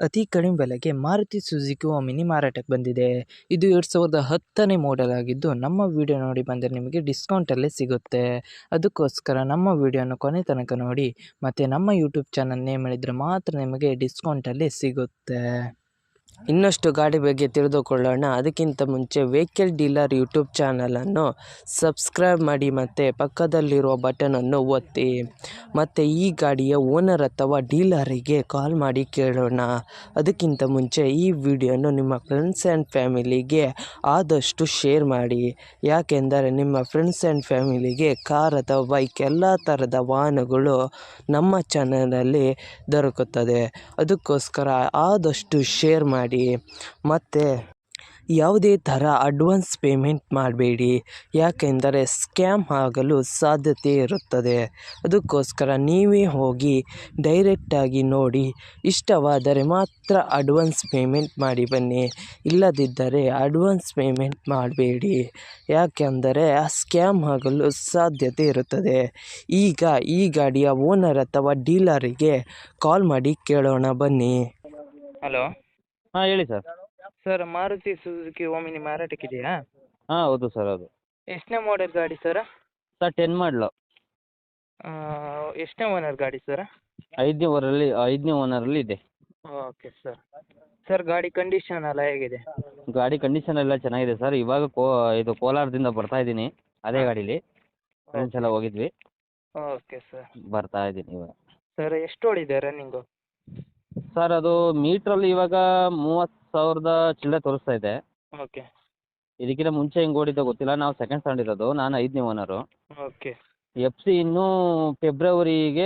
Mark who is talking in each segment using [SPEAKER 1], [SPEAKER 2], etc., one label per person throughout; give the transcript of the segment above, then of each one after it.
[SPEAKER 1] ಅತಿ ಕಡಿಮೆ ಬೆಲೆಗೆ ಮಾರುತಿ ಸುಜುಕಿ ಓಮಿನಿ ಮಾರಾಟಕ್ಕೆ ಬಂದಿದೆ. ಇದು 2010ನೇ ಮಾಡೆಲ್ ಆಗಿದ್ದು, ನಮ್ಮ ವಿಡಿಯೋ ನೋಡಿ ಬಂದರೆ ನಿಮಗೆ ಡಿಸ್ಕೌಂಟಲ್ಲೇ ಸಿಗುತ್ತೆ. ಅದಕ್ಕೋಸ್ಕರ ನಮ್ಮ ವಿಡಿಯೋನ ಕೊನೆ ತನಕ ನೋಡಿ ಮತ್ತು ನಮ್ಮ ಯೂಟ್ಯೂಬ್ ಚಾನಲ್ ನೇಮ್ ಹೇಳಿದರೆ ಮಾತ್ರ ನಿಮಗೆ ಡಿಸ್ಕೌಂಟಲ್ಲೇ ಸಿಗುತ್ತೆ. ಇನ್ನಷ್ಟು ಗಾಡಿ ಬಗ್ಗೆ ತಿಳಿದುಕೊಳ್ಳೋಣ. ಅದಕ್ಕಿಂತ ಮುಂಚೆ ವೆಹಿಕಲ್ ಡೀಲರ್ ಯೂಟ್ಯೂಬ್ ಚಾನಲನ್ನು ಸಬ್ಸ್ಕ್ರೈಬ್ ಮಾಡಿ ಮತ್ತು ಪಕ್ಕದಲ್ಲಿರುವ ಬಟನನ್ನು ಒತ್ತಿ. ಮತ್ತು ಈ ಗಾಡಿಯ ಓನರ್ ಅಥವಾ ಡೀಲರಿಗೆ ಕಾಲ್ ಮಾಡಿ ಕೇಳೋಣ. ಅದಕ್ಕಿಂತ ಮುಂಚೆ ಈ ವಿಡಿಯೋನು ನಿಮ್ಮ ಫ್ರೆಂಡ್ಸ್ ಆ್ಯಂಡ್ ಫ್ಯಾಮಿಲಿಗೆ ಆದಷ್ಟು ಶೇರ್ ಮಾಡಿ. ಯಾಕೆಂದರೆ ನಿಮ್ಮ ಫ್ರೆಂಡ್ಸ್ ಆ್ಯಂಡ್ ಫ್ಯಾಮಿಲಿಗೆ ಕಾರ್ ಅಥವಾ ಬೈಕ್ ಎಲ್ಲ ಥರದ ವಾಹನಗಳು ನಮ್ಮ ಚಾನಲಲ್ಲಿ ದೊರಕುತ್ತದೆ. ಅದಕ್ಕೋಸ್ಕರ ಆದಷ್ಟು ಶೇರ್ ಮಾಡಿ. ಮತ್ತು ಯಾವುದೇ ಥರ ಅಡ್ವಾನ್ಸ್ ಪೇಮೆಂಟ್ ಮಾಡಬೇಡಿ, ಯಾಕೆಂದರೆ ಸ್ಕ್ಯಾಮ್ ಆಗಲು ಸಾಧ್ಯತೆ ಇರುತ್ತದೆ. ಅದಕ್ಕೋಸ್ಕರ ನೀವೇ ಹೋಗಿ ಡೈರೆಕ್ಟಾಗಿ ನೋಡಿ, ಇಷ್ಟವಾದರೆ ಮಾತ್ರ ಅಡ್ವಾನ್ಸ್ ಪೇಮೆಂಟ್ ಮಾಡಿ ಬನ್ನಿ. ಇಲ್ಲದಿದ್ದರೆ ಅಡ್ವಾನ್ಸ್ ಪೇಮೆಂಟ್ ಮಾಡಬೇಡಿ, ಯಾಕೆಂದರೆ ಸ್ಕ್ಯಾಮ್ ಆಗಲು ಸಾಧ್ಯತೆ ಇರುತ್ತದೆ. ಈಗ ಈ ಗಾಡಿಯ ಓನರ್ ಅಥವಾ ಡೀಲರಿಗೆ ಕಾಲ್ ಮಾಡಿ ಕೇಳೋಣ ಬನ್ನಿ.
[SPEAKER 2] ಹಲೋ
[SPEAKER 3] ಹಾಂ ಹೇಳಿ sir.
[SPEAKER 2] Sir, Maruti Suzuki Omni ಮಾರಾಟಕ್ಕಿದೆಯಾ?
[SPEAKER 3] ಹಾಂ ಹೌದು ಸರ್, ಹೌದು.
[SPEAKER 2] ಎಷ್ಟನೇ ಮಾಡೆಲ್ ಗಾಡಿ ಸರ್?
[SPEAKER 3] ಸರ್ 10 ಮಾಡಲು.
[SPEAKER 2] ಎಷ್ಟನೇ ಓನರ್ ಗಾಡಿ ಸರ್?
[SPEAKER 3] ಐದನೇ ಓನರಲ್ಲಿ ಇದೆ.
[SPEAKER 2] Okay sir. ಸರ್, ಗಾಡಿ ಕಂಡೀಷನ್ ಎಲ್ಲ ಹೇಗಿದೆ?
[SPEAKER 3] ಗಾಡಿ ಕಂಡೀಷನ್ ಎಲ್ಲ ಚೆನ್ನಾಗಿದೆ ಸರ್. ಇವಾಗ ಇದು ಕೋಲಾರದಿಂದ ಬರ್ತಾ ಇದ್ದೀನಿ, ಅದೇ ಗಾಡೀಲಿ ಫ್ರೆಂಡ್ಸ್ ಎಲ್ಲ ಹೋಗಿದ್ವಿ.
[SPEAKER 2] Okay sir.
[SPEAKER 3] ಬರ್ತಾ ಇದ್ದೀನಿ ಇವಾಗ.
[SPEAKER 2] ಸರ್, ಎಷ್ಟು ಓಡಿದೆ ರನ್ನಿಂಗು?
[SPEAKER 3] ಸರ್, ಅದು ಮೀಟ್ರಲ್ಲಿ ಇವಾಗ 30,000 ಚಿಲ್ಲರೆ ತೋರಿಸ್ತಾ ಇದೆ.
[SPEAKER 2] ಓಕೆ.
[SPEAKER 3] ಇದಕ್ಕಿಂತ ಮುಂಚೆ ಹೆಂಗೆ ಓಡಿದ್ದೋ ಗೊತ್ತಿಲ್ಲ. ನಾವು ಸೆಕೆಂಡ್ ಸ್ಟ್ಯಾಂಡ್ ಇರೋದು, ನಾನು 5ನೇ ಓನರು.
[SPEAKER 2] ಓಕೆ.
[SPEAKER 3] FC ಇನ್ನೂ ಫೆಬ್ರವರಿಗೆ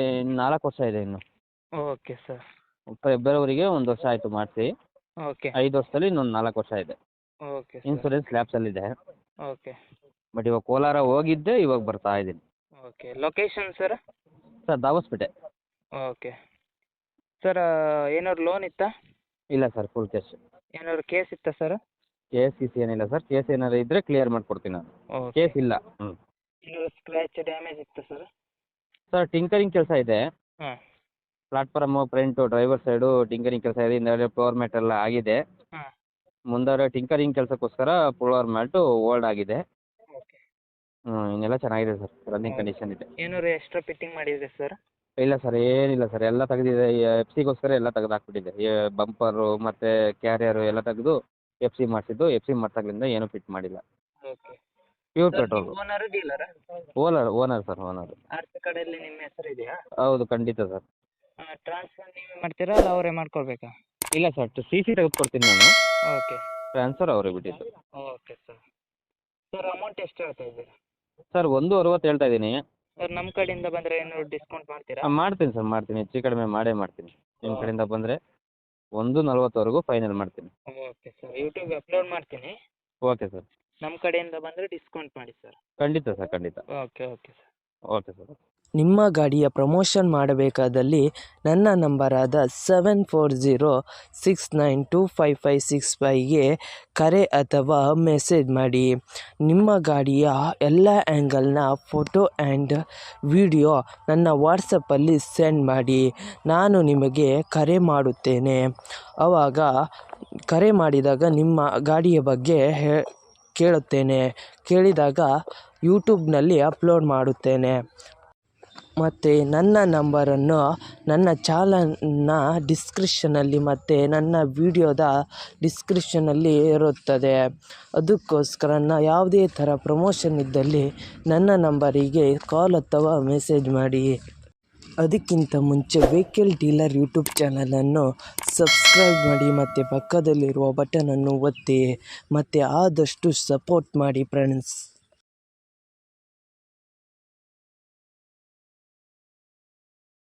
[SPEAKER 3] 4 ವರ್ಷ ಇದೆ ಇನ್ನು.
[SPEAKER 2] Okay sir.
[SPEAKER 3] ಫೆಬ್ರವರಿಗೆ 1 ವರ್ಷ ಆಯಿತು ಮಾಡಿಸಿ.
[SPEAKER 2] ಓಕೆ.
[SPEAKER 3] 5 ವರ್ಷದಲ್ಲಿ ಇನ್ನೊಂದು 4 ವರ್ಷ ಇದೆ.
[SPEAKER 2] ಓಕೆ.
[SPEAKER 3] ಇನ್ಸೂರೆನ್ಸ್ ಲ್ಯಾಬ್ಸಲ್ಲಿದೆ.
[SPEAKER 2] ಓಕೆ.
[SPEAKER 3] ಬಟ್ ಇವಾಗ ಕೋಲಾರ ಹೋಗಿದ್ದೆ, ಇವಾಗ ಬರ್ತಾ ಇದ್ದೀನಿ.
[SPEAKER 2] Okay. Location sir?
[SPEAKER 3] Sir, Dabaspete.
[SPEAKER 2] Okay. Sir, ಏನಾದ್ರು ಲೋನ್ ಇತ್ತಾ?
[SPEAKER 3] ಇಲ್ಲ ಸರ್, ಫುಲ್ ಕ್ಯಾಶ್.
[SPEAKER 2] ಏನಾದ್ರು ಕೇಸ್ ಇತ್ತಾ ಸರ್?
[SPEAKER 3] ಕೇಸ್ ಏನಿಲ್ಲ ಸರ್. ಕೇಸ್ ಏನಾದ್ರು ಇದ್ದರೆ ಕ್ಲಿಯರ್ ಮಾಡಿಕೊಡ್ತೀನಿ ನಾನು.
[SPEAKER 2] ಓಕೆ.
[SPEAKER 3] ಕೇಸ್ ಇಲ್ಲ.
[SPEAKER 2] ಏನಾದ್ರು ಸ್ಕ್ರ್ಯಾಚ್ ಡ್ಯಾಮೇಜ್ ಇತ್ತಾ ಸರ್?
[SPEAKER 3] ಸರ್, ಟಿಂಕರಿಂಗ್ ಕೆಲಸ ಇದೆ.
[SPEAKER 2] ಹಾಂ.
[SPEAKER 3] Platform, front, driver side tinkering ಕೆಲಸ ಇದೆ. ಹಿಂದೆ ಫ್ಲೋರ್ ಮ್ಯಾಟ್ ಎಲ್ಲ ಆಗಿದೆ.
[SPEAKER 2] ಹಾಂ.
[SPEAKER 3] ಮುಂದೆ ಟಿಂಕರಿಂಗ್ ಕೆಲಸಕ್ಕೋಸ್ಕರ ಫ್ಲೋರ್ ಮ್ಯಾಟು ಓಲ್ಡ್ ಆಗಿದೆ.
[SPEAKER 2] ಓಕೆ.
[SPEAKER 3] ಇನ್ನೆಲ್ಲ ಚೆನ್ನಾಗಿದೆ ಸರ್, ರನ್ನಿಂಗ್ ಕಂಡೀಷನ್ ಇದೆ.
[SPEAKER 2] ಏನಾದ್ರು ಎಕ್ಸ್ಟ್ರಾ ಫಿಟ್ಟಿಂಗ್ ಮಾಡಿದ್ರೆ ಸರ್?
[SPEAKER 3] ಇಲ್ಲ ಸರ್, ಏನಿಲ್ಲ ಸರ್, ಎಲ್ಲ ತೆಗೆದಿದೆ. FC ಎಲ್ಲ ತೆಗೆದು ಹಾಕ್ಬಿಟ್ಟಿದೆ. ಬಂಪರು ಮತ್ತು ಕ್ಯಾರಿಯರು ಎಲ್ಲ ತೆಗೆದು FC ಮಾಡಿಸಿದ್ದು. FC ಮಾಡ್ದಾಗಲಿಂದ ಏನೂ ಫಿಟ್ ಮಾಡಿಲ್ಲ.
[SPEAKER 2] Okay.
[SPEAKER 3] Pure petrol.
[SPEAKER 2] Owner dealer?
[SPEAKER 3] Owner sir, owner.
[SPEAKER 2] R C ಕಾರ್ಡಲ್ಲಿ ನಿಮ್ಮ ಹೆಸರು ಇದೆಯಾ?
[SPEAKER 3] ಹೌದು, ಖಂಡಿತ ಸರ್.
[SPEAKER 2] ಟ್ರಾನ್ಸ್ಫರ್ ನೀವೇ ಮಾಡ್ತೀರಾ ಅಲ್ಲ ಅವರೇ ಮಾಡ್ಕೊಳ್ಬೇಕಾ?
[SPEAKER 3] ಇಲ್ಲ ಸರ್, CC ತೆಗೆದುಕೊಡ್ತೀನಿ ನಾನು.
[SPEAKER 2] ಓಕೆ.
[SPEAKER 3] ಟ್ರಾನ್ಸ್ಫರ್ ಅವರೇ ಬಿಟ್ಟಿದ್ದು.
[SPEAKER 2] Okay sir. ಸರ್, ಅಮೌಂಟ್ ಎಷ್ಟು ಹೇಳ್ತಾ ಇದ್ದೀರಾ?
[SPEAKER 3] ಸರ್, 1.60 ಹೇಳ್ತಾ ಇದ್ದೀನಿ.
[SPEAKER 2] ಸರ್, ನಮ್ಮ ಕಡೆಯಿಂದ ಬಂದರೆ ಏನಾದ್ರು ಡಿಸ್ಕೌಂಟ್ ಮಾಡ್ತೀರಾ?
[SPEAKER 3] ಮಾಡ್ತೀನಿ ಸರ್, ಮಾಡ್ತೀನಿ. ಹೆಚ್ಚು ಕಡಿಮೆ ಮಾಡೇ ಮಾಡ್ತೀನಿ. ನಿಮ್ಮ ಕಡೆಯಿಂದ ಬಂದರೆ 1.40ವರೆಗೂ ಫೈನಲ್ ಮಾಡ್ತೀನಿ.
[SPEAKER 2] Okay sir. ಯೂಟ್ಯೂಬ್ಗೆ ಅಪ್ಲೋಡ್ ಮಾಡ್ತೀನಿ.
[SPEAKER 3] Okay sir.
[SPEAKER 2] ನಮ್ಮ ಕಡೆಯಿಂದ ಬಂದರೆ ಡಿಸ್ಕೌಂಟ್ ಮಾಡಿ ಸರ್.
[SPEAKER 3] ಖಂಡಿತ ಸರ್, ಖಂಡಿತ.
[SPEAKER 2] Okay. Okay sir.
[SPEAKER 3] Okay sir.
[SPEAKER 1] ನಿಮ್ಮ ಗಾಡಿಯ ಪ್ರಮೋಷನ್ ಮಾಡಬೇಕಾದಲ್ಲಿ ನನ್ನ ನಂಬರಾದ 7406925565ಗೆ ಕರೆ ಅಥವಾ ಮೆಸೇಜ್ ಮಾಡಿ. ನಿಮ್ಮ ಗಾಡಿಯ ಎಲ್ಲ ಆ್ಯಂಗಲ್ನ ಫೋಟೋ ಆ್ಯಂಡ್ ವಿಡಿಯೋ ನನ್ನ ವಾಟ್ಸಪ್ಪಲ್ಲಿ ಸೆಂಡ್ ಮಾಡಿ. ನಾನು ನಿಮಗೆ ಕರೆ ಮಾಡುತ್ತೇನೆ. ಆವಾಗ ಕರೆ ಮಾಡಿದಾಗ ನಿಮ್ಮ ಗಾಡಿಯ ಬಗ್ಗೆ ಕೇಳುತ್ತೇನೆ. ಕೇಳಿದಾಗ ಯೂಟ್ಯೂಬ್ನಲ್ಲಿ ಅಪ್ಲೋಡ್ ಮಾಡುತ್ತೇನೆ. ಮತ್ತು ನನ್ನ ನಂಬರನ್ನು ನನ್ನ ಚಾನಲ್ನ ಡಿಸ್ಕ್ರಿಪ್ಷನಲ್ಲಿ ಮತ್ತು ನನ್ನ ವಿಡಿಯೋದ ಡಿಸ್ಕ್ರಿಪ್ಷನಲ್ಲಿ ಇರುತ್ತದೆ. ಅದಕ್ಕೋಸ್ಕರ ಯಾವುದೇ ಥರ ಪ್ರಮೋಷನ್ ಇದ್ದಲ್ಲಿ ನನ್ನ ನಂಬರಿಗೆ ಕಾಲ್ ಅಥವಾ ಮೆಸೇಜ್ ಮಾಡಿ. ಅದಕ್ಕಿಂತ ಮುಂಚೆ ವೆಹಿಕಲ್ ಡೀಲರ್ ಯೂಟ್ಯೂಬ್ ಚಾನಲನ್ನು ಸಬ್ಸ್ಕ್ರೈಬ್ ಮಾಡಿ ಮತ್ತು ಪಕ್ಕದಲ್ಲಿರುವ ಬಟನನ್ನು ಒತ್ತಿ ಮತ್ತು ಆದಷ್ಟು ಸಪೋರ್ಟ್ ಮಾಡಿ ಫ್ರೆಂಡ್ಸ್.